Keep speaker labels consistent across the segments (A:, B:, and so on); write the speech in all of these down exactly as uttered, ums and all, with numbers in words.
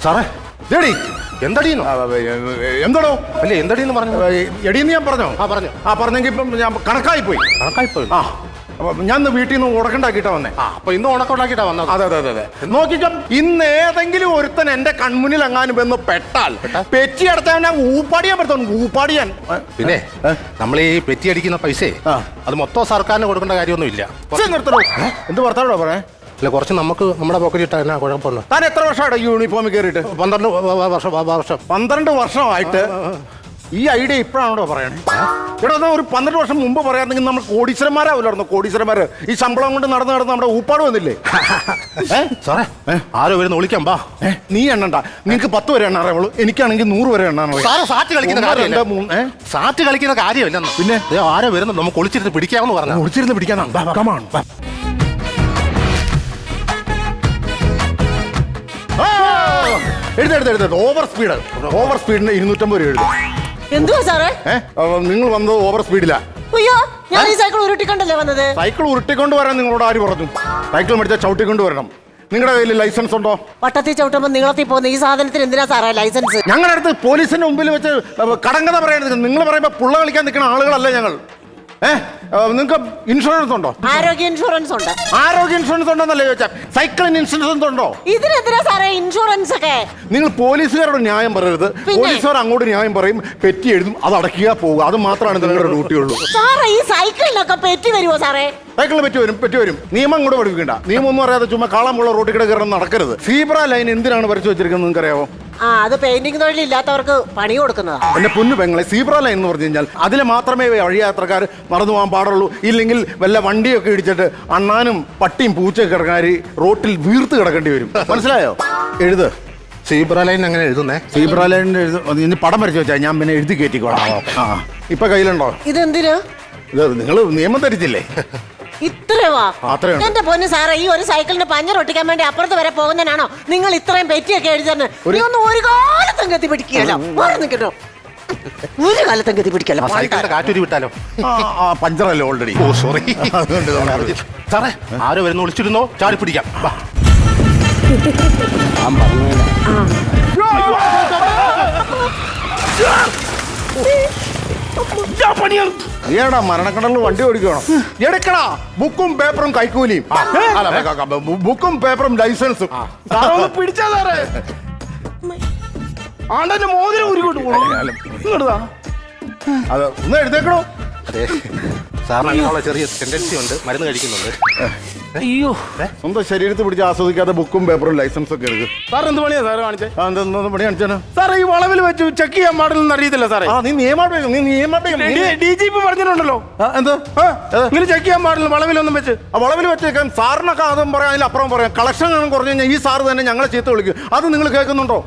A: സാറേ
B: എടി
A: എന്തടിയെന്നോ?
B: എന്താണോ?
A: അല്ല എന്തടിയെന്ന് പറഞ്ഞു.
B: എടീന്ന് ഞാൻ പറഞ്ഞോ?
A: ആ പറഞ്ഞു.
B: ആ പറഞ്ഞെങ്കിൽ ഇപ്പം ഞാൻ കണക്കായി പോയി.
A: കണക്കായി പോയി.
B: ആ ഞാൻ ഇന്ന് വീട്ടിൽ നിന്ന് ഉടക്കണ്ടാക്കിയിട്ടാ വന്നേ.
A: ആ അപ്പൊ ഇന്ന് ഉണക്കുണ്ടാക്കിയിട്ടാ വന്നത്.
B: അതെ അതെ അതെ അതെ നോക്കിക്കാം. ഇന്ന് ഏതെങ്കിലും ഒരുത്തൻ എന്റെ കൺമുന്നിൽ എങ്ങാനും വന്ന് പെട്ടാൽ പെറ്റി അടച്ചാൽ ഞാൻ ഊപ്പാടിയാൻ പറ്റും. ഊപ്പാടിയാൻ
A: പിന്നെ നമ്മൾ ഈ പെറ്റി അടിക്കുന്ന പൈസ അത് മൊത്തം സർക്കാരിന് കൊടുക്കേണ്ട കാര്യമൊന്നും ഇല്ല.
B: നിർത്തണോ? എന്ത് വർത്താനോ പറയാ?
A: അല്ല കുറച്ച് നമുക്ക് നമ്മുടെ പോക്കറ്റ് ഇട്ടാ എന്നാ കുഴപ്പമുണ്ടോ?
B: താൻ എത്ര വർഷമായിട്ട് യൂണിഫോമിൽ കയറിയിട്ട്?
A: പന്ത്രണ്ട് വർഷം വർഷം
B: പന്ത്രണ്ട് വർഷമായിട്ട് ഈ ഐഡിയ ഇപ്പോഴാണോ പറയണേ? ഇവിടെ ഒരു പന്ത്രണ്ട് വർഷം മുമ്പ് പറയാമെങ്കിൽ നമ്മൾ കോടീശ്വരന്മാരാവില്ലായിരുന്നു. കോടീശ്വരന്മാര് ഈ ശമ്പളം കൊണ്ട് നടന്ന് നടന്ന് നമ്മുടെ ഊപ്പാട് വന്നില്ലേ?
A: സാറേ ആരോ വരുന്ന വിളിക്കാം. ബാ
B: നീ എണ്ണണ്ട. നിനക്ക് പത്ത് വരെ എണ്ണ അറിയുള്ളൂ, എനിക്കാണെങ്കിൽ നൂറ് വരെ എണ്ണ.
A: സാറ്റ് കളിക്കുന്ന കാര്യമില്ല. സാറ്റ് കളിക്കുന്ന കാര്യമില്ല. പിന്നെ ആരോ വരുന്നത് നമുക്ക് ഒളിച്ചിരുന്ന് പിടിക്കാമെന്ന് പറഞ്ഞു.
B: ഒളിച്ചിരുന്ന് പിടിക്കാനാ? എഴുതെടുത്ത് ഓവർ സ്പീഡ്. ഓവർ സ്പീഡിന് ഇരുന്നൂറ്റമ്പത് രൂപ എഴുതും.
C: എന്തുവാ സാറേ?
B: നിങ്ങൾ വന്നത് ഓവർ സ്പീഡിലാ.
C: അയ്യോ ഞാൻ ഈ സൈക്കിൾ ഉരുട്ടിക്കൊണ്ടല്ലേ വന്നത്.
B: സൈക്കിൾ ഉരുട്ടിക്കൊണ്ട് വരാൻ നിങ്ങളോട് ആര് പറഞ്ഞു? സൈക്കിൾ മേടിച്ചാൽ ചവിട്ടിക്കൊണ്ട് വരണം. നിങ്ങളുടെ കയ്യിൽ ലൈസൻസ് ഉണ്ടോ?
C: പട്ടത്തിൽ ചവിട്ടുമ്പോൾ നീളത്തിൽ പോകുന്ന ഈ സാധനത്തിന് എന്തിനാ സാറേ ലൈസൻസ്?
B: ഞങ്ങളുടെ അടുത്ത് പോലീസിന്റെ മുമ്പിൽ വെച്ച് കടങ്കഥ പറയണത്. നിങ്ങൾ പറയുമ്പോ പുള്ള കളിക്കാൻ നിൽക്കുന്ന ആളുകളല്ല ഞങ്ങൾ. ഏഹ് നിങ്ങൾക്ക് ഇൻഷുറൻസ് ഉണ്ടോ?
C: ആരോഗ്യ ഇൻഷുറൻസ് ഉണ്ട്.
B: ആരോഗ്യ ഇൻഷുറൻസ് ഉണ്ടോന്നല്ലേ ചോദിച്ചാൽ? സൈക്കിളിന് ഇൻഷുറൻസ് ഉണ്ടോ?
C: ഇതിനെന്തിനാ സാറേ ഇൻഷുറൻസ് ഒക്കെ?
B: നിങ്ങൾ പോലീസുകാരോട് ന്യായം പറയരുത്. പോലീസുകാർ അങ്ങോട്ട് ന്യായം പറയും, പെറ്റി എഴുതും, അത് അടയ്ക്കുക പോവുക. അത് മാത്രമാണ് നിങ്ങളുടെ ഡ്യൂട്ടി ഉള്ളൂ.
C: സാറേ ഈ സൈക്കിളിനൊക്കെ പെറ്റി വരുമോ സാറേ?
B: സൈക്കിളിന് പറ്റി വരും, പറ്റി വരും. നിയമം കൂടെ പഠിപ്പിക്കണ്ട. നിയമം ഒന്നും അറിയാതെ ചുമ്മാ കാളമുള്ള റോട്ടിൽ കൂടെ കയറുന്ന നടക്കരുത്. സീബ്ര ലൈൻ എന്തിനാണ് വരച്ചു വെച്ചിരിക്കുന്നത് നിങ്ങൾക്ക് അറിയാവോ?
C: ആ അത് പെയിന്റിംഗ് തൊഴിലില്ലാത്തവർക്ക് പണി കൊടുക്കുന്നതാ.
B: എന്റെ പൊന്നു പെങ്ങളെ, സീബ്ര ലൈൻ എന്ന് പറഞ്ഞു കഴിഞ്ഞാൽ അതിൽ മാത്രമേ വഴിയാത്രക്കാർ നടന്നു പോകാൻ പാടുള്ളൂ. ഇല്ലെങ്കിൽ വല്ല വണ്ടിയൊക്കെ ഇടിച്ചിട്ട് അണ്ണാനും പട്ടിയും പൂച്ചയൊക്കെ കിടക്കാൻ റോട്ടിൽ വീർത്ത് കിടക്കേണ്ടി വരും. മനസ്സിലായോ? എഴുത്.
A: സീബ്ര ലൈൻ അങ്ങനെ എഴുതുന്നേ?
B: സീബ്ര ലൈനിന്റെ എഴുതി പടം വരച്ചു വെച്ചാൽ ഞാൻ പിന്നെ എഴുതി കയറ്റിക്കോളാം. ആ ഇപ്പൊ കയ്യിലുണ്ടോ?
C: ഇതെന്തിനാ?
B: ഇത് നിങ്ങൾ നിയമം ധരിച്ചില്ലേ?
C: ഇത്രവാ? എന്റെ പൊന്ന് സാറേ, ഈ ഒരു സൈക്കിളിന് പഞ്ഞർ ഒട്ടിക്കാൻ വേണ്ടി അപ്പുറത്ത് വരെ പോകുന്നതിനാണോ നിങ്ങൾ ഇത്രയും പെറ്റിയൊക്കെ എഴുതുന്നത്? ഒന്നും ഒരു കാലത്തും ഗതി പിടിക്കുകയല്ലോ. നിൽക്കട്ടോ, ഒരു കാലത്തും ഗതി പിടിക്കല്ലോ.
A: കാറ്റൂരി വിട്ടാലോ?
B: പഞ്ചറല്ലേ ഓൾറെഡി.
A: ഓ സോറി. സാറേ ആരോ വരുന്ന വിളിച്ചിരുന്നോ? ചാടി പിടിക്കാം.
B: ഏടാ മരണക്കടലിൽ വണ്ടി ഓടിക്കണം. എടുക്കടാ ബുക്കും പേപ്പറും കൈക്കൂലിയും. ബുക്കും പേപ്പറും ലൈസൻസും
D: പിടിച്ചാ സാറേ. ആണ്ടന്റെ മോതിരം ഉരുക്കൊണ്ട് പോകണം.
B: അത് ഒന്ന് എഴുതേക്കണോ?
A: അതെ സാറിന് അങ്ങനെയുള്ള ചെറിയ ടെൻഡൻസി ഉണ്ട്. മരുന്ന് കഴിക്കുന്നുണ്ട്.
D: അയ്യോ
B: സ്വന്തം ശരീരത്തിൽ പിടിച്ച് ആസ്വദിക്കാതെ ബുക്കും പേപ്പറും ലൈസൻസും ഒക്കെ എടുക്കും.
D: സാർ എന്ത് പണിയാ സാറ് കാണിച്ചേ?
B: എന്തൊന്നും പണി കാണിച്ചാണ്
D: സാറേ? ഈ വളവിൽ വെച്ച് ചെക്ക് ചെയ്യാൻ പാടില്ലെന്ന് അറിയത്തില്ല സാറേ.
B: നീ നിയമം നീ നിയമം
D: ഡി ജി പി പറഞ്ഞിട്ടുണ്ടല്ലോ.
B: എന്ത്
D: ഇങ്ങനെ ചെക്ക് ചെയ്യാൻ പാടില്ല വളവിലൊന്നും വെച്ച്.
B: ആ വളവിൽ വെച്ചേക്കാൻ സാറിനൊക്കെ അതും പറയാം, അതിൽ അപ്പുറം പറയാം. കളക്ഷൻ കുറഞ്ഞു കഴിഞ്ഞാൽ ഈ സാറ് തന്നെ ഞങ്ങളെ ചീത്ത വിളിക്കും. അത് നിങ്ങൾ കേൾക്കുന്നുണ്ടോ?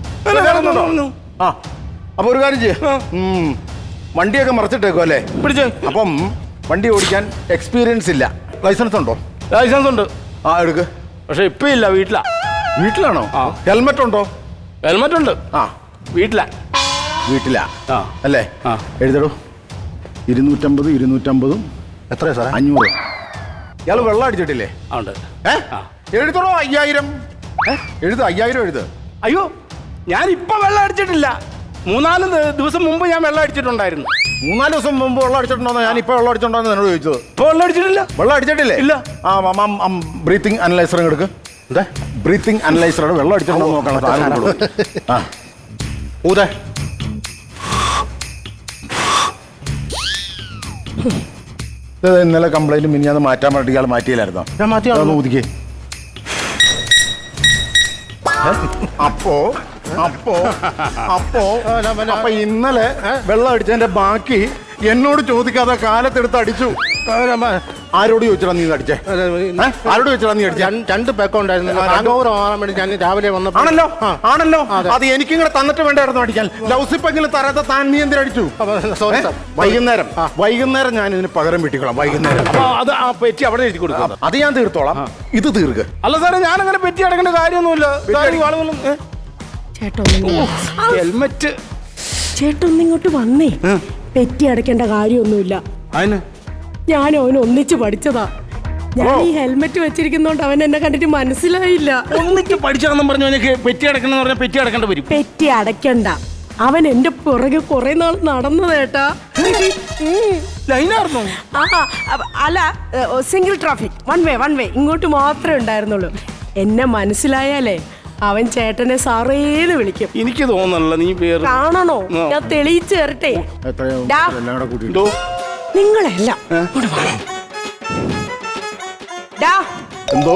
B: ആ അപ്പൊ ഒരു കാര്യം ചെയ്യാം, വണ്ടിയൊക്കെ മറച്ചിട്ടേക്കും അല്ലേ?
D: പിടിച്ചേ.
B: അപ്പം വണ്ടി ഓടിക്കാൻ എക്സ്പീരിയൻസ് ഇല്ല. ലൈസൻസ് ഉണ്ടോ?
D: ലൈസൻസ് ഉണ്ട്.
B: ആ എടുക്ക്.
D: പക്ഷെ ഇപ്പൊ ഇല്ല. വീട്ടിലാ.
B: വീട്ടിലാണോ? ഹെൽമെറ്റ് ഉണ്ടോ?
D: ഹെൽമെറ്റ് ഉണ്ട്.
B: ആ
D: വീട്ടിലാ.
B: വീട്ടിലാ
D: ആ
B: അല്ലേ?
D: ആ
B: എഴുതടോ. ഇരുന്നൂറ്റമ്പത് ഇരുന്നൂറ്റമ്പതും
A: എത്രയാ സാറേ?
B: അഞ്ഞൂറ്. ഇയാൾ വെള്ളം അടിച്ചിട്ടില്ലേ?
D: ഉണ്ട്.
B: ഏ എഴുതണോ? അയ്യായിരം. എഴുത്, അയ്യായിരം എഴുത്.
D: അയ്യോ ഞാൻ ഇപ്പൊ വെള്ളം അടിച്ചിട്ടില്ല. മൂന്നാല് ദിവസം മുമ്പ് ഞാൻ വെള്ളം അടിച്ചിട്ടുണ്ടായിരുന്നു.
B: മൂന്നാല് ദിവസം മുമ്പ് വെള്ളം അടിച്ചിട്ടുണ്ടോ? ഞാൻ ഇപ്പൊ വെള്ളം അടിച്ചിട്ടുണ്ടോ എന്നോട് ചോദിച്ചത്.
D: ഇപ്പൊ വെള്ളം അടിച്ചിട്ടില്ല.
B: വെള്ളം അടിച്ചിട്ടില്ലേ?
D: ഇല്ല.
B: ആ ബ്രീത്തിങ് അനലൈസർ എടുക്ക്. എന്താ ബ്രീത്തിങ് അനലൈസറാണ്. വെള്ളം അടിച്ചിട്ടുണ്ടോ നോക്കണം. ആ ഊതേ. ഇന്നലെ കംപ്ലൈന്റ് മിനിഞ്ഞാന്ന് മാറ്റാൻ വേണ്ടി ഇയാൾ മാറ്റിയില്ലായിരുന്നോ?
A: ഞാൻ മാറ്റിയാ
B: ഊതിക്കേ. അപ്പോ അപ്പോ അപ്പോ അപ്പൊ ഇന്നലെ വെള്ളം അടിച്ചതിന്റെ ബാക്കി എന്നോട് ചോദിക്കാതെ കാലത്തെടുത്ത് അടിച്ചു. ആരോട് ചോദിച്ചാ നീ അടിച്ചേ? ആരോട് ചോദിച്ചാ നീ അടിച്ചേ?
A: രണ്ട് പേക്കം ഉണ്ടായിരുന്നു. ഞാൻ രാവിലെ വന്നപ്പോ.
B: ആണല്ലോ ആണല്ലോ അത് എനിക്കും കൂടെ തന്നിട്ട് വേണ്ടായിരുന്നു അടിക്കാൻ. ലൗസിപ്പെങ്കിലും തരാത്ത താൻ നീ എന്തിനടിച്ചു? വൈകുന്നേരം വൈകുന്നേരം ഞാൻ ഇതിന് പകരം വീട്ടിക്കോളാം. വൈകുന്നേരം
D: അത് ആ പെറ്റി അവിടെ എഴുതി കൊടുക്കാം.
B: അത് ഞാൻ തീർത്തോളാം. ഇത് തീർക്ക്.
D: അല്ല സാറേ ഞാൻ അങ്ങനെ പെറ്റി അടക്കേണ്ട കാര്യമൊന്നുമില്ല. ഹെൽമെറ്റ്
E: ചേട്ടൊന്നിങ്ങോട്ട് വന്നേ. പെറ്റി അടയ്ക്കേണ്ട കാര്യമൊന്നുമില്ല.
D: അതിന്
E: ഞാൻ അവന് ഒന്നിച്ച് പഠിച്ചതാ. ഞാൻ ഈ ഹെൽമെറ്റ് വെച്ചിരിക്കുന്നോണ്ട് അവൻ എന്നെ കണ്ടിട്ട് മനസ്സിലായില്ല.
D: ഒന്നിക്ക് പഠിച്ചാന്നും പറഞ്ഞു എനിക്ക് പെറ്റി അടക്കണം പറഞ്ഞാൽ പെറ്റി അടക്കേണ്ടി വരും.
E: പെറ്റി അടയ്ക്കണ്ട, അവൻ എന്റെ പുറകെ കുറെ നാൾ നടന്നതേട്ടാ.
D: ലൈനായിരുന്നു.
E: ആ അ- അല്ല, single traffic, one way one way ഇങ്ങോട്ട് മാത്രമേ ഉണ്ടായിരുന്നുള്ളൂ. എന്നെ മനസ്സിലായാലേ അവൻ ചേട്ടനെ സാറേന്ന് വിളിക്കും.
D: എനിക്ക് തോന്നല്ല നീ പേര്
E: കാണണോ? ഞാൻ തെളിയിച്ചു തരട്ടെ.
B: എത്രയോ
E: ഡാ.
B: എല്ലാം കൂടെ കൂട്ടിയിട്ട്.
D: എന്തോ
E: നിങ്ങളെല്ലാം ഇങ്ങോട്ട് വാ. ഡാ,
B: എന്തോ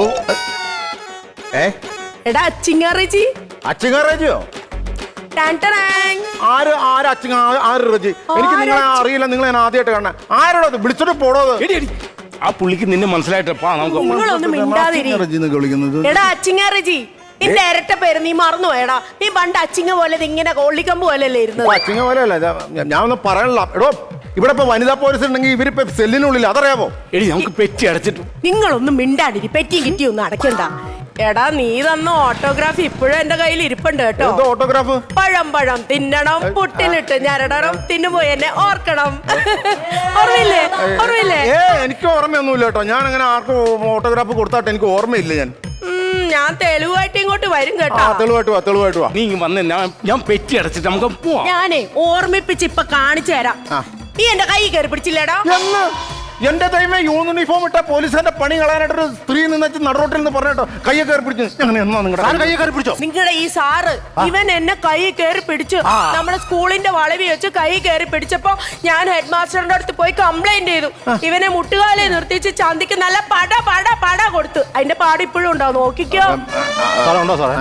B: ഏ
E: എടാ ചിങ്ങാറേച്ചി.
B: അച്ചിങ്ങാറേജിയോ?
E: Tan tan.
B: ആര് ആര് അച്ചിങ്ങ ആര് റജി? എനിക്ക് നിങ്ങളെ അറിയില്ല, നിങ്ങളെ ഞാൻ ആദ്യമായിട്ട് കാണാൻ. ആരോടോ അത്? വിളിച്ചോട്ട് പോടോ അത്.
D: എടി, എടി. ആ പുള്ളിക്ക് നിന്നെ മനസ്സിലായിട്ടപ്പാ നമുക്ക്
E: നിങ്ങളൊന്നും മിണ്ടാതിരി.
B: റജി എന്നൊക്കെ വിളിക്കുന്നത്.
E: എടാ അച്ചിങ്ങാറേച്ചി, നിന്റെ ഇരട്ട പേര് നീ മറന്നുപോയടാ. നീ പണ്ട് അച്ചിങ്ങ പോലെ ഇങ്ങനെ കൊള്ളിക്കമ്പ് പോലല്ലേ ഇരുന്നത്?
B: അച്ചിങ്ങ പോലെ അല്ല, ഞാൻ ഒന്നും പറയണില്ല. എടോ, ഇവിടെ ഇപ്പൊ വനിതാ പോലീസ് ഉണ്ടെങ്കിൽ ഇവരിപ്പോ സെല്ലിനുള്ളിൽ, അതറിയാമോ?
D: എടി നമുക്ക് പെറ്റി അടച്ചിട്ടു.
E: നിങ്ങളൊന്നും മിണ്ടാതിരി, പെറ്റിയും കിറ്റിയും ഒന്നും അടയ്ക്കണ്ട. എടാ, നീ തന്ന ഓട്ടോഗ്രാഫ് ഇപ്പോഴും എന്റെ കയ്യിൽ ഇരിപ്പുണ്ട് കേട്ടോ.
B: എന്തോ ഓട്ടോഗ്രാഫ്?
E: പഴം പഴം തിന്നണം, പുട്ടിലിട്ട് ഞരടണം, തിന്നുപോയി എന്നെ ഓർക്കണം. ഓർമ്മയില്ലേ? ഓർമ്മയില്ലേ?
B: ഏ എനിക്ക് ഓർമ്മയൊന്നുമില്ല കേട്ടോ. ഞാൻ അങ്ങനെ ആർക്കും ഓട്ടോഗ്രാഫ് കൊടുത്താട്ട് എനിക്ക് ഓർമ്മയില്ല. ഞാൻ
E: ഉം, ഞാൻ തെളിവായിട്ട് ഇങ്ങോട്ട് വരും
B: ആ
E: കേട്ടോ.
B: തെളിവായിട്ട് വാ, തെളിവായിട്ട് വാ.
D: നീ ഇങ്ങ് വന്ന് ഞാൻ ഞാൻ പെറ്റി അടച്ചിട്ട് നമുക്ക് പോവാം.
E: ഞാനേ ഓർമ്മിപ്പിച്ച് ഇപ്പൊ കാണിച്ചു തരാം.
B: ആ.
E: നീ എന്റെ കൈ കയറി പിടിച്ചില്ലേടാ?
B: എന്ന് എന്റെ ദൈവമേ, യൂണിഫോം ഇട്ട പോലീസിന്റെ പണി കളയാനായിട്ടൊരു സ്ത്രീ നിന്ന് നടുറോട്ടിൽ നിന്ന് പറഞ്ഞോ കയ്യെ കയറി പിടിച്ചു. അങ്ങനെ എന്നാ നിങ്ങളുടെ
A: കയ്യെ കയറി പിടിച്ചോ?
E: നിങ്ങളുടെ ഈ സാറ് ഇവൻ എന്നെ കൈ കയറി പിടിച്ചു. നമ്മുടെ സ്കൂളിന്റെ വളവി വെച്ച് കൈ കയറി പിടിച്ചപ്പോ ഞാൻ ഹെഡ് മാസ്റ്ററിന്റെ അടുത്ത് പോയി കംപ്ലൈന്റ് ചെയ്തു. ഇവനെ മുട്ടുകാലെ നിർത്തിച്ച് ചന്തിക്ക് നല്ല പട പട പട കൊടുത്തു. അതിന്റെ പാട് ഇപ്പോഴും ഉണ്ടാവും, നോക്കിക്കോ.
A: സാറേ ഉണ്ടോ സാറേ?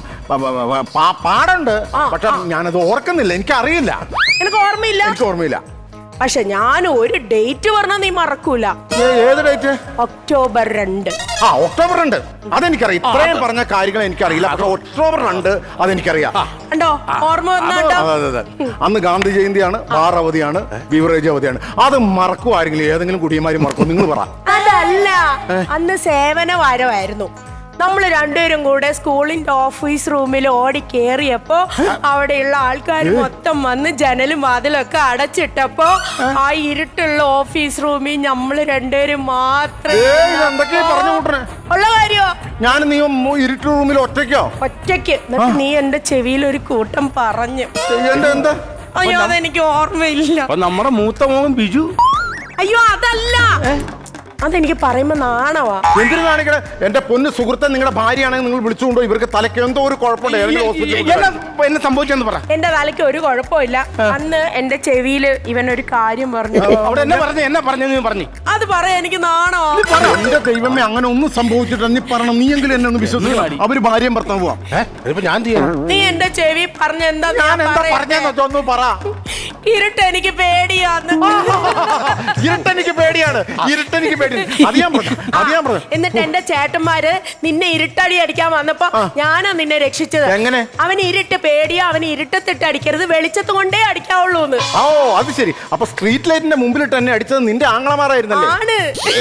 B: പാടുണ്ട്, പക്ഷെ ഞാനത് ഓർക്കുന്നില്ല, എനിക്കറിയില്ല.
E: എനിക്ക് ഓർമ്മയില്ല.
B: എനിക്ക് ഓർമ്മയില്ല.
E: പക്ഷെ ഞാൻ ഒരു ഡേറ്റ് പറഞ്ഞാൽ നീ മറക്കൂല.
B: ഏ- ഏത് ഡേറ്റ്?
E: ഒക്ടോബർ രണ്ട്.
B: ആ ഒക്ടോബർ രണ്ട്, അതെനിക്കറിയാം. ഇത്രയും പറഞ്ഞ കാര്യങ്ങൾ എനിക്കറിയില്ല, പക്ഷെ ഒക്ടോബർ രണ്ട് അതെനിക്കറിയാം.
E: കണ്ടോ? ഓർമ്മ വന്നാട്ടോ.
B: അതെ അതെ അതെ. അന്ന് ഗാന്ധി ജയന്തിയാണ്, ബാർ അവധിയാണ്, ബീവറേജ് അവധിയാണ്. അത് മറക്കും ആരെങ്കിലും? ഏതെങ്കിലും കുടിയന്മാര് മറക്കും? നിങ്ങൾ പറ.
E: അതല്ല, അന്ന് സേവന വാരമായിരുന്നു. നമ്മൾ രണ്ടുപേരും കൂടെ സ്കൂളിന്റെ ഓഫീസ് റൂമിൽ ഓടി കേറിയപ്പോ അവിടെയുള്ള ആൾക്കാർ മൊത്തം വന്ന് ജനലും വാതിലൊക്കെ അടച്ചിട്ടപ്പോ ആ ഇരുട്ടുള്ള ഓഫീസ് റൂമിൽ നമ്മൾ രണ്ടുപേരും മാത്രമേ
B: എന്തൊക്കെയാ പറഞ്ഞു കൂട്ടണേ?
E: ഉള്ള കാര്യോ?
B: ഞാൻ നീ ഇരുട്ട് റൂമിൽ ഒറ്റയ്ക്കോ?
E: ഒറ്റയ്ക്ക്. എന്നിട്ട് നീ എന്റെ ചെവിയിൽ ഒരു കൂട്ടം പറഞ്ഞു.
B: എന്റെ എന്താ?
E: അയ്യോ, അതെനിക്ക് ഓർമ്മയില്ല.
D: അപ്പൊ നമ്മുടെ മൂത്ത മോൻ ബിജു.
E: അയ്യോ അതല്ല, അതെനിക്ക് പറയുമ്പോ നാണവാ.
B: എന്തിനു കാണിക്കണേ? എന്റെ പൊന്ന് സുഹൃത്തെ, നിങ്ങളുടെ ഭാര്യയാണെങ്കിൽ നിങ്ങൾ വിളിച്ചുകൊണ്ടോ? ഇവർക്ക് തലയ്ക്ക് എന്തോ ഒരു കുഴപ്പമുണ്ട്, ഏതെങ്കിലും ഹോസ്പിറ്റലിൽ
D: എന്നാ എന്നെ സംഭവിച്ചെന്ന് പറ.
E: എന്റെ തലയ്ക്ക് ഒരു കുഴപ്പമില്ല. അന്ന് എന്റെ ചെവിയില് ഇവൻ ഒരു കാര്യം പറഞ്ഞു.
D: അവിടെ എന്നെ പറഞ്ഞു എന്നെ പറഞ്ഞു നീ പറഞ്ഞു.
E: അത് പറയാ എനിക്ക് നാണോ?
B: എന്റെ ദൈവമേ, അങ്ങനെ ഒന്നും സംഭവിച്ചിട്ട് നീ പറയണം. നീ എങ്കിലും എന്നെ ഒന്ന് വിശ്വസിക്കണം. അവര് ഭാര്യയും ഭർത്താവും പോവാം.
A: ഇതിപ്പോ ഞാൻ ചെയ്യാം.
E: നീ എന്റെ ചെവി പറഞ്ഞ എന്താ
B: ഞാൻ എന്താ പറഞ്ഞെന്ന് വെച്ചാ ഒന്ന് പറ.
E: ഇരുട്ട് എനിക്ക് പേടിയാന്ന്.
B: ഇരുട്ടെനിക്ക് പേടിയാണ്, ഇരുട്ടെനിക്ക് പേടിയാണ്. അത് ഞാൻ പറഞ്ഞു, അത് ഞാൻ പറഞ്ഞു.
E: എന്നിട്ട് എന്റെ ചേട്ടന്മാര് നിന്നെ ഇരുട്ടടി അടിക്കാൻ വന്നപ്പോ ഞാനാ നിന്നെ രക്ഷിച്ചത്.
B: എങ്ങനെ?
E: അവന് ഇരുട്ട് പേടിയാ, അവന് ഇരുട്ടത്തിട്ട് അടിക്കരുത്, വെളിച്ചത്ത് കൊണ്ടേ അടിക്കാവുള്ളൂന്ന്.
B: ഓ അത് ശരി. അപ്പൊ സ്ട്രീറ്റ് ലൈറ്റിന്റെ മുമ്പിലിട്ട് എന്നെ അടിച്ചത് നിന്റെ ആങ്ങളമാരായിരുന്നല്ലേ?
E: ആണ്.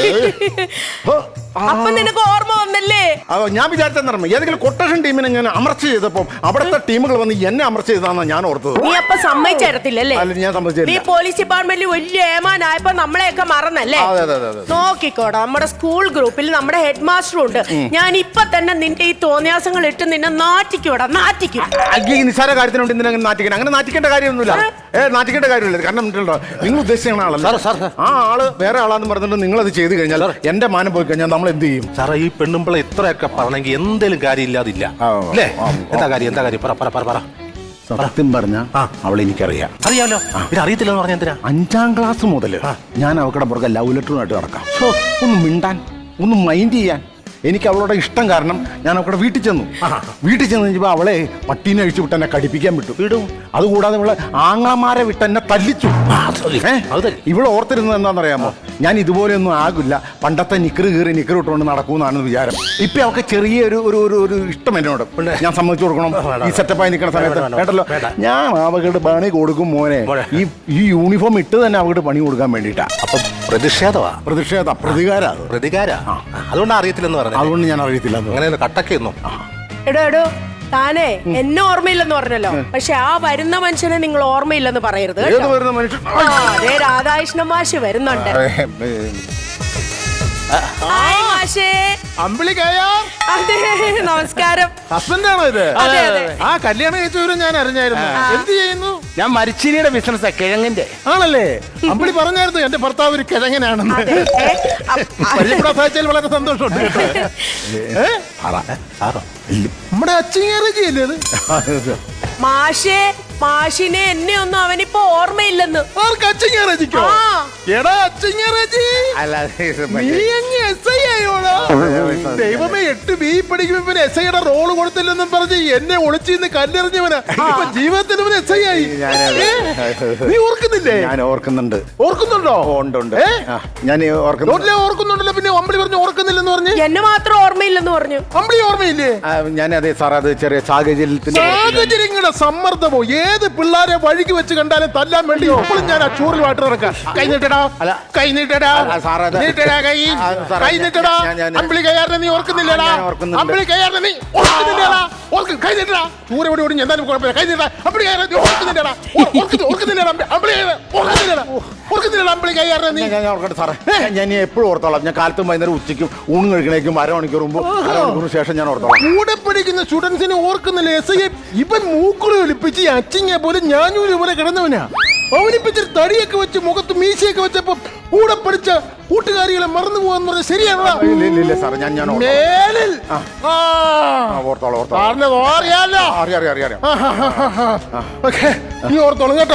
B: ഓ,
E: അപ്പൊ നിനക്ക് ഓർമ്മ വന്നല്ലേ?
B: ആ, ഞാൻ വിചാരിച്ചെന്നറിയാം, ഏതെങ്കിലും കൊട്ടേഷൻ ടീമിനെ ഞാൻ അമർച്ച ചെയ്തപ്പോ അവിടുത്തെ ടീമുകൾ വന്ന് എന്നെ അമർച്ച ചെയ്താന്നാ ഞാൻ ഓർത്തത്.
E: നീ അപ്പൊ സമ്മതിച്ചേരത്തില്ലല്ലേ?
B: അല്ല, ഞാൻ
E: നീ
B: സമ്മതിച്ചില്ല.
E: പോലീസ് ഡിപ്പാർട്ട്മെന്റിൽ വലിയ ഏമാനായപ്പോ നമ്മളെയൊക്കെ മറന്നല്ലേ?
B: അതെ അതെ അതെ.
E: നോക്കിക്കോടാ, നമ്മുടെ സ്കൂൾ ഗ്രൂപ്പിൽ നമ്മുടെ ഹെഡ് മാസ്റ്റർ ഉണ്ട്. ഞാൻ ഇപ്പൊ തന്നെ നിന്റെ ഈ തോന്നിയാസങ്ങൾ ഇട്ട് നിന്നെ നാറ്റിക്കോടാ, നാറ്റിക്കും.
B: ഈ നിസ്സാര കാര്യത്തിനുണ്ട് എന്തിനാ അങ്ങനെ നാറ്റിക്കണം? അങ്ങനെ നാറ്റിക്കേണ്ട കാര്യമൊന്നുമില്ല. ഏ നാറ്റിക്കേണ്ട കാര്യമില്ല. കാരണം ഉണ്ടല്ലോ, നിങ്ങൾ ഉദ്ദേശിക്കുന്ന ആളല്ല. ആ ആള് വേറെ ആളാന്ന് പറഞ്ഞിട്ട് നിങ്ങൾ അത് ചെയ്ത് കഴിഞ്ഞാൽ എന്റെ മാനം പോയി കഴിഞ്ഞാൽ നമ്മൾ എന്ത് ചെയ്യും?
A: സാറേ, ഈ പെണ്ണുമ്പിള ഇത്രയൊക്കെ പറഞ്ഞെങ്കിൽ എന്തേലും കാര്യം ഇല്ലാതില്ല അല്ലേ? എന്താ കാര്യം? എന്താ കാര്യം? പറ പറ പറ പറ.
B: സത്യം പറഞ്ഞ അവളെ എനിക്കറിയാം.
A: അറിയാമല്ലോ. പിന്നെ അറിയത്തില്ലെന്ന് പറഞ്ഞ എന്തിനാ?
B: അഞ്ചാം ക്ലാസ് മുതൽ ഞാൻ അവക്കടെ പുറകെ ലവ് ലെറ്ററുമായിട്ട് നടക്കാം. ഒന്ന് മിണ്ടാൻ, ഒന്ന് മൈൻഡ് ചെയ്യാൻ എനിക്ക് അവളുടെ ഇഷ്ടം കാരണം ഞാൻ അവളുടെ വീട്ടിൽ ചെന്നു. വീട്ടിൽ ചെന്ന് കഴിഞ്ഞപ്പോൾ അവളെ പട്ടീനെ അഴിച്ചു വിട്ട് എന്നെ കടിപ്പിക്കാൻ വിട്ടു. വിടും. അതുകൂടാതെ ഇവളെ ആങ്ങളമാരെ വിട്ട് എന്നെ തല്ലിച്ചു. ഇവള് ഓർത്തിരുന്നത് എന്താണെന്നറിയാമോ? ഞാൻ ഇതുപോലെയൊന്നും ആകില്ല, പണ്ടത്തെ നിക്കറ് കീറി നിക്കറ് ഇട്ടുകൊണ്ട് നടക്കൂന്നാണ് വിചാരം. ഇപ്പൊ അവൾക്ക് ചെറിയ ഒരു ഒരു ഒരു ഒരു ഇഷ്ടം എന്നോട്. ഞാൻ സമ്മതിച്ചു കൊടുക്കണം. ഈ സെറ്റപ്പായി നിൽക്കുന്ന സമയത്ത് കേട്ടല്ലോ, ഞാൻ അവകളുടെ പണി കൊടുക്കും മോനെ. ഈ ഈ യൂണിഫോം ഇട്ട് തന്നെ അവളുടെ പണി കൊടുക്കാൻ വേണ്ടിയിട്ടാ.
A: അപ്പൊ പ്രതിഷേധമാ?
B: പ്രതിഷേധ പ്രതികാര
A: പ്രതികാര. അതുകൊണ്ട് അറിയത്തില്ലെന്ന് പറഞ്ഞു.
B: അതുകൊണ്ട് ഞാൻ അറിയത്തില്ല.
A: അങ്ങനെ കട്ടൊക്കെയൊന്നും.
E: എടോ എടോ, താനേ എന്നെ ഓർമ്മയില്ലെന്ന് പറഞ്ഞല്ലോ, പക്ഷെ ആ വരുന്ന മനുഷ്യനെ നിങ്ങൾ ഓർമ്മയില്ലെന്ന് പറയരുത്
B: ഏത്
E: കേട്ടോ.
B: വരുന്ന മനുഷ്യൻ?
E: ആ, അതേ രാധാകൃഷ്ണ മാഷ് വരുന്നുണ്ട്.
B: ഏ, ഏ,
E: ഹായ് മാഷേ.
B: അമ്പിളിക്കായാ
E: അതെ, നമസ്കാരം.
B: ഹസ്ബൻഡാണോ ഇത്?
E: അതെ, അതെ.
B: ആ കല്യാണം കഴിച്ചവരും ഞാൻ അറിഞ്ഞായിരുന്നു. എന്ത് ചെയ്യുന്നു?
D: ഞാൻ മരിച്ചിനിയുടെ ബിസിനസ്സാ, കിഴങ്ങിന്റെ.
B: ആണല്ലേ? അമ്പിളി പറഞ്ഞായിരുന്നു എന്റെ ഭർത്താവ് ഒരു കിഴങ്ങനാണെന്ന്.
E: അതെ. അ-
B: പരിചയപ്പെടാൻ സാധിച്ചതിൽ വളരെ സന്തോഷമുണ്ട് കേട്ടോ. ഏ? നമ്മുടെ അച്ചിങ്ങേറജിയല്ലേ അത്?
E: മാഷേ, മാഷിനെ എന്നെ ഒന്നും അവനിപ്പോ ഓർമ്മയില്ലെന്ന്.
B: ആർക്ക് അച്ചിങ്ങേറജിക്കോ?
E: ആ.
B: എടാ അച്ചിങ്ങേറജി, നീ അങ്ങ് എസ് ഐ ആയോടാ? ദൈവമേ, എട്ട് ബി പഠിക്കുമ്പോ എസ് ഐയുടെ റോള് കൊടുത്തില്ലെന്നും പറഞ്ഞ് എന്നെ ഒളിച്ചിന്ന് കല്ലെറിഞ്ഞവനാ ഇപ്പൊ ജീവിതത്തിൽ ഇവൻ എസ് ഐ ആയി. ഏ? നീ ഓർക്കുന്നില്ലേ?
F: ഞാൻ ഓർക്കുന്നുണ്ട്.
B: ഓർക്കുന്നുണ്ടോ?
F: ഉണ്ട് ഉണ്ട്.
B: ഏ?
F: ആ, ഞാൻ ഓർക്കുന്നു.
B: നോട്ടിലെ ഓർക്കുന്നുണ്ടല്ലോ, പിന്നെ അമ്പിളി പറഞ്ഞു ഓർക്കുന്നില്ലെന്ന് പറഞ്ഞ്.
E: എന്നെ മാത്രം ഓർമ്മയില്ലെന്ന് പറഞ്ഞു.
B: അമ്പിളി ഓർമ്മയില്ലേ?
F: ആ, ഞാൻ അതെ സാർ, അത് ചെറിയ സാഹചര്യത്തിന്റെ
B: സാഹചര്യങ്ങളുടെ സമ്മർദ്ദമോ ഏത് പിള്ളേരെ വഴിക്ക് വെച്ച് കണ്ടാലും തല്ലാൻ വേണ്ടി എപ്പോഴും ഞാൻ ആ ചൂറിലുമായിട്ട് നടക്കാം. കൈ നീട്ടടാ,
F: അല്ല.
B: കൈ നീട്ടടാ,
F: ആ, സാറേ, അത്
B: നീട്ടടാ കൈ,
F: ആ, സാറേ,
B: കൈ നീട്ടടാ.
F: ഞാൻ- ഞാൻ-
B: അമ്പിളി കയ്യാറിനെ നീ ഓർക്കുന്നില്ലടാ?
F: ഞാൻ ഓർക്കുന്നുണ്ട്.
B: അമ്പിളി കയ്യാറിനെ നീ ഓർക്കുന്നില്ലടാ? ഓർക്ക് കൈ നീട്ടടാ. ചൂര ഓടി ഓടി എന്തായാലും കുഴപ്പമില്ല, കൈ നീട്ടാ. അമ്പിളി കയ്യാറിനെ നീ ഓർക്കുന്നില്ലടാ? ഓർ- ഓർക്കുന്നു- ഓർക്കുന്നില്ലടാ അമ്പി- അമ്പിളി കയ്യാറിനെ ഓർക്കുന്നില്ലടാ? ഓർക്കുന്നില്ലടാ അമ്പിളി കയ്യാറിനെ നീ?
F: ഞാൻ ഞാൻ ഓർക്കട്ടെ സാറേ. ഞാൻ എപ്പോഴും ഓർത്തോളാം. ഞാൻ കാലത്തും വൈകുന്നേരം ഉച്ചയ്ക്കും ഊണ് കഴിക്കണേക്കും അരമണിക്കൂർ മുമ്പ് അരമണിക്കൂറിന് ശേഷം ഞാൻ ഓർത്തോളാം.
B: കൂടെ പഠിക്കുന്ന സ്റ്റുഡൻസിനെ ഓർക്കുന്നില്ല. എസ് ഐ ഇവൻ മൂക്കുറി ഒലിപ്പിച്ച് അച്ചിങ്ങ പോലെ ഞാനൂര് പോലെ കിടന്നവനാ. അവനിപ്പിച്ചിട്ട് തടിയൊക്കെ വെച്ച് മുഖത്ത് മീശയൊക്കെ വെച്ചപ്പോ കൂടെ പഠിച്ച കൂട്ടുകാരികളെ മറന്നു പോകാന്ന് പറഞ്ഞ ശരിയാണോ?
F: ഇല്ല ഇല്ല ഇല്ല സാറേ, ഞാൻ ഞാൻ ഓർത്തോളാം.
B: മേലിൽ ആ.
F: ആ, ഓർത്തോളാം ഓർത്തോളാം.
B: സാറിനത് അറിയാലോ.
F: അറിയാം അറിയാം അറിയാം അറിയാം.
B: ഓക്കെ, നീ ഓർത്തോളം കേട്ടോ.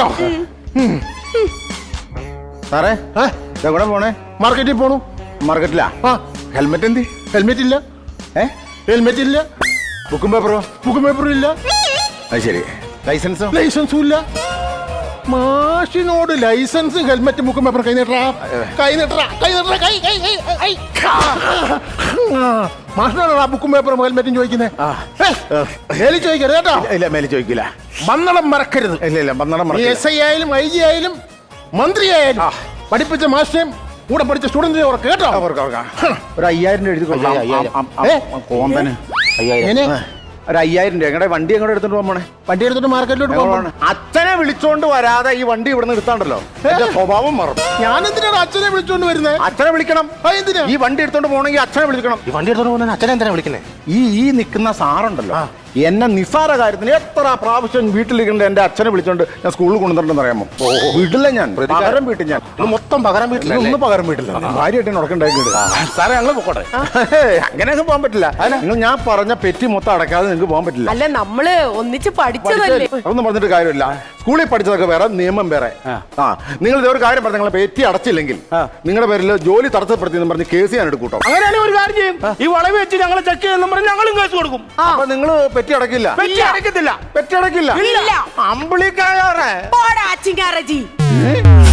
F: സാറേ, എവിടെ പോണേ?
B: മാർക്കറ്റിൽ പോണു.
F: മാർക്കറ്റിലാ?
B: ആ,
F: ഹെൽമെറ്റ് എന്തി?
B: ഹെൽമെറ്റ് ഇല്ല.
F: ഏ
B: ഹെൽമെറ്റ് ഇല്ല.
F: ബുക്കും പേപ്പറോ?
B: ബുക്കും പേപ്പറും ഇല്ല.
F: അത് ശരി. ലൈസൻസോ?
B: ലൈസൻസും ഇല്ല. മാഷിനോട് ലൈസൻസ് ഹെൽമെറ്റ് ബുക്കും പേപ്പർ കൈ നീട്ടറാ, കൈ നീട്ടറാ, കൈ നീട്ടറാ, കൈ കൈ കൈ കൈ. മാഷിനോടാ ബുക്കും പേപ്പറും ഹെൽമെറ്റും ചോദിക്കുന്നേ. മേലിൽ ചോദിക്കരുത് കേട്ടോ.
F: ഇല്ല, മേലെ ചോദിക്കില്ല.
B: മന്നളം മറക്കരുത്.
F: ഇല്ല ഇല്ല, പന്ത്രണ്ട്
B: നീ എസ് ഐ ആയാലും ഐ ജി ആയാലും മന്ത്രി ആയാലും പഠിപ്പിച്ച മാഷിനെയും കൂടെ പഠിച്ച സ്റ്റുഡന്റിനെ ഓർക്ക് കേട്ടോ.
F: ഒരു അയ്യായിരം രൂപ എഴുതി കൊടുക്കാം.
A: അയ്യായിരം.
F: അം- അം- അം- കോമ്പന്
B: എങ്ങനെ?
F: ഒരു അയ്യായിരം രൂപ എങ്ങടെ വണ്ടി എങ്ങോട്ട് എടുത്തോണ്ട് പോകണേ?
B: വണ്ടി എടുത്തിട്ട് മാർക്കറ്റിലോട്ട് പോകണം.
F: അച്ഛനെ വിളിച്ചോണ്ട് വരാതെ ഈ വണ്ടി ഇവിടെ നിർത്താണ്ടല്ലോ, എന്റെ സ്വഭാവം മാറും.
B: ഞാൻ എന്തിനാണ് അച്ഛനെ വിളിച്ചോണ്ട് വരുന്നത്?
F: അച്ഛനെ വിളിക്കണം.
B: ആ, എന്തിനാ?
F: ഈ വണ്ടി എടുത്തോണ്ട് പോകണമെങ്കിൽ അച്ഛനെ വിളിക്കണം.
A: ഈ വണ്ടി എടുത്തോണ്ട് പോകുന്ന അച്ഛനെ എന്തിനാ വിളിക്കുന്നത്?
F: ഈ ഈ നിൽക്കുന്ന സാറുണ്ടല്ലോ, എന്നെ നിസ്സാര കാര്യത്തിന് എത്ര പ്രാവശ്യം വീട്ടിലിരിക്കേണ്ട എന്റെ അച്ഛനെ വിളിച്ചോണ്ട് ഞാൻ സ്കൂളിൽ കൊണ്ടുവന്നിട്ടുണ്ടെന്ന് അറിയാമോ? വീട്ടില്ല, ഞാൻ പകരം വീട്ടിൽ ഞാൻ
A: ഇത് മൊത്തം പകരം വീട്ടിൽ
F: ഒന്ന് പകരം വീട്ടില്ല. ഭാര്യയായിട്ട് ഉടക്കുണ്ടാക്കിയിട്ട്
D: സാറേ, ഞങ്ങൾ പോട്ടെ.
F: അങ്ങനെയൊക്കെ പോകാൻ പറ്റില്ല. നിങ്ങൾ ഞാൻ പറഞ്ഞ പെറ്റി മൊത്തം അടക്കാതെ നിങ്ങൾക്ക് പോകാൻ പറ്റില്ല.
E: അല്ല, നമ്മള് ഒന്നിച്ച് പഠിച്ചതല്ലേ.
F: അതൊന്നും പറഞ്ഞിട്ട് കാര്യമില്ല. സ്കൂളിൽ പഠിച്ചതൊക്കെ വേറെ, നിയമം വേറെ. ആ, നിങ്ങൾ ഇതേ ഒരു കാര്യം പറഞ്ഞു, നിങ്ങളെ പെറ്റി അടച്ചില്ലെങ്കിൽ നിങ്ങളുടെ പേരിൽ ജോലി തടസ്സപ്പെടുത്തി എന്ന് പറഞ്ഞ് കേസ് ഞാൻ എടുക്കൂട്ടോ.
D: അങ്ങനെയാണെങ്കിൽ ഒരു കാര്യം ചെയ്യും, ഈ വളവ് വെച്ച് ഞങ്ങളെ ചെക്ക് ചെയ്യുന്ന പറഞ്ഞ് ഞങ്ങളും കേസ് കൊടുക്കും.
F: അപ്പൊ നിങ്ങൾ പെറ്റി അടക്കില്ല?
D: പെറ്റി അടക്കത്തില്ല.
F: പെറ്റി അടക്കില്ല.
E: ഇല്ല.
F: അമ്പിളിക്കായാറേ
E: പോടാ, ചിങ്കാരജി.